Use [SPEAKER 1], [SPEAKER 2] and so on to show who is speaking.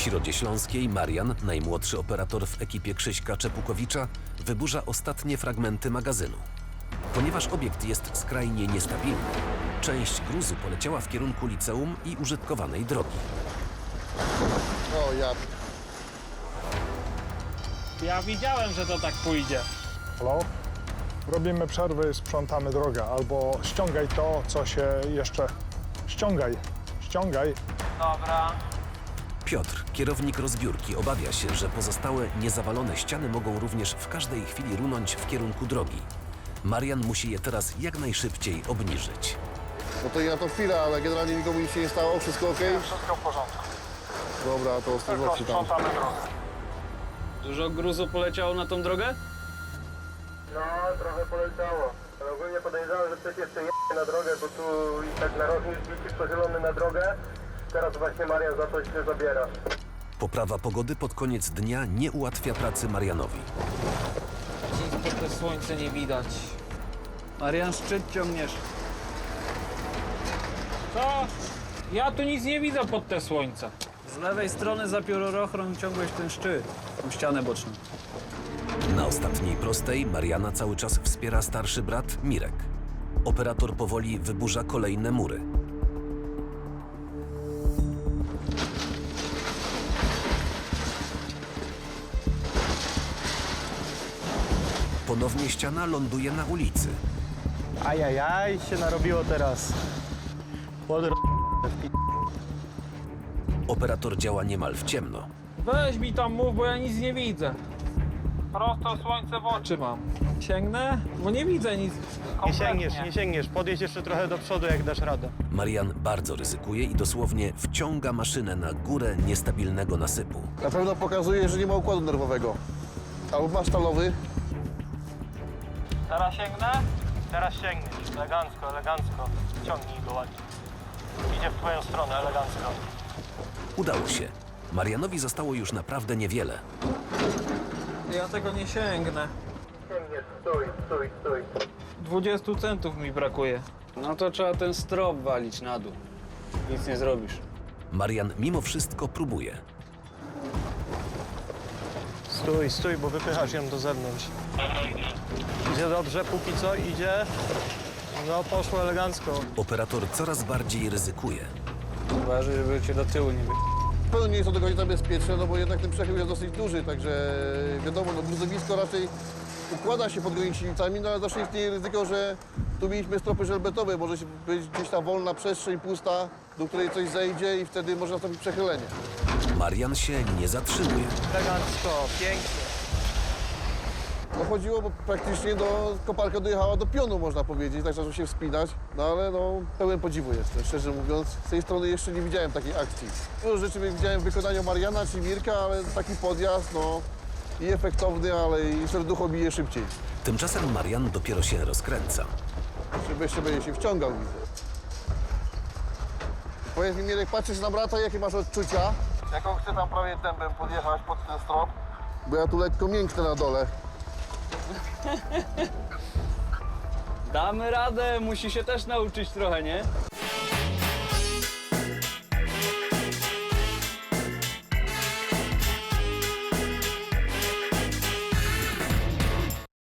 [SPEAKER 1] Środzie Śląskiej Marian, najmłodszy operator w ekipie Krzyśka Czepukowicza, wyburza ostatnie fragmenty magazynu. Ponieważ obiekt jest skrajnie niestabilny, część gruzu poleciała w kierunku liceum i użytkowanej drogi.
[SPEAKER 2] O ja...
[SPEAKER 3] Ja widziałem, że to tak pójdzie.
[SPEAKER 4] Halo? Robimy przerwy, sprzątamy drogę. Albo ściągaj to, co się jeszcze... Ściągaj.
[SPEAKER 3] Dobra.
[SPEAKER 1] Piotr, kierownik rozbiórki, obawia się, że pozostałe niezawalone ściany mogą również w każdej chwili runąć w kierunku drogi. Marian musi je teraz jak najszybciej obniżyć.
[SPEAKER 2] No to ja to chwilę, ale generalnie nikomu nic się nie stało, wszystko ok?
[SPEAKER 4] Wszystko w porządku.
[SPEAKER 2] Dobra, to
[SPEAKER 4] Tylko
[SPEAKER 2] ostrożności tam.
[SPEAKER 4] sprzątamy drogę.
[SPEAKER 3] Dużo gruzu poleciało na tą drogę?
[SPEAKER 5] No, trochę poleciało. Ale ogólnie podejrzewam, że ktoś jeszcze je na drogę, bo tu i tak narożnik jest pochylony na drogę. Teraz właśnie Marian za to się zabiera.
[SPEAKER 1] Poprawa pogody pod koniec dnia nie ułatwia pracy Marianowi.
[SPEAKER 3] Nic pod te słońce nie widać. Marian, szczyt ciągniesz. Co? Ja tu nic nie widzę pod te słońce. Z lewej strony za piórochron ciągłeś ten szczyt, tą ścianę boczną.
[SPEAKER 1] Na ostatniej prostej Mariana cały czas wspiera starszy brat Mirek. Operator powoli wyburza kolejne mury. Ponownie ściana ląduje na ulicy.
[SPEAKER 6] Ajajaj, się narobiło teraz.
[SPEAKER 1] Operator działa niemal w ciemno.
[SPEAKER 3] Weź mi tam mów, bo ja nic nie widzę. Prosto słońce w oczy mam. Sięgnę? Bo nie widzę nic.
[SPEAKER 6] Nie sięgniesz. Podjedź jeszcze trochę do przodu, jak dasz radę.
[SPEAKER 1] Marian bardzo ryzykuje i dosłownie wciąga maszynę na górę niestabilnego nasypu.
[SPEAKER 2] Na pewno pokazuje, że nie ma układu nerwowego. Albo masz stalowy.
[SPEAKER 6] Teraz sięgnę? Teraz sięgniesz. Elegancko. Ciągnij go ładnie. Idzie w twoją stronę, elegancko.
[SPEAKER 1] Udało się. Marianowi zostało już naprawdę niewiele.
[SPEAKER 3] Ja tego nie sięgnę.
[SPEAKER 5] Ciemnie, stój.
[SPEAKER 3] 20 centów mi brakuje. No to trzeba ten strop walić na dół. Nic nie zrobisz.
[SPEAKER 1] Marian mimo wszystko próbuje.
[SPEAKER 6] Stój, bo wypychasz ją do zewnątrz. Idzie dobrze, póki co idzie. No, poszło elegancko.
[SPEAKER 1] Operator coraz bardziej ryzykuje.
[SPEAKER 3] Uważaj, żeby cię do tyłu nie
[SPEAKER 2] Na pewno nie jest to do końca bezpieczne, no bo jednak ten przechył jest dosyć duży, także wiadomo, no gruzowisko raczej układa się pod gończynicami, no ale zawsze istnieje ryzyko, że tu mieliśmy stropy żelbetowe, może być gdzieś ta wolna przestrzeń pusta, do której coś zejdzie i wtedy może nastąpić przechylenie.
[SPEAKER 1] Marian się nie zatrzymuje.
[SPEAKER 6] Elegancko, pięknie.
[SPEAKER 2] No chodziło, bo praktycznie koparka dojechała do pionu, można powiedzieć, tak zaczął się wspinać, no ale no pełen podziwu jestem, szczerze mówiąc. Z tej strony jeszcze nie widziałem takiej akcji. Dużo rzeczy widziałem w wykonaniu Mariana czy Mirka, ale taki podjazd, no i efektowny, ale i serducho bije szybciej.
[SPEAKER 1] Tymczasem Marian dopiero się rozkręca.
[SPEAKER 2] Żeby jeszcze będzie się wciągał, widzę. Powiedz mi, Mirek, patrzysz na brata, jakie masz odczucia? Jaką chcę tam prawie dębem podjechać pod ten strop? Bo ja tu lekko mięknę na dole.
[SPEAKER 3] Damy radę, musi się też nauczyć trochę, nie?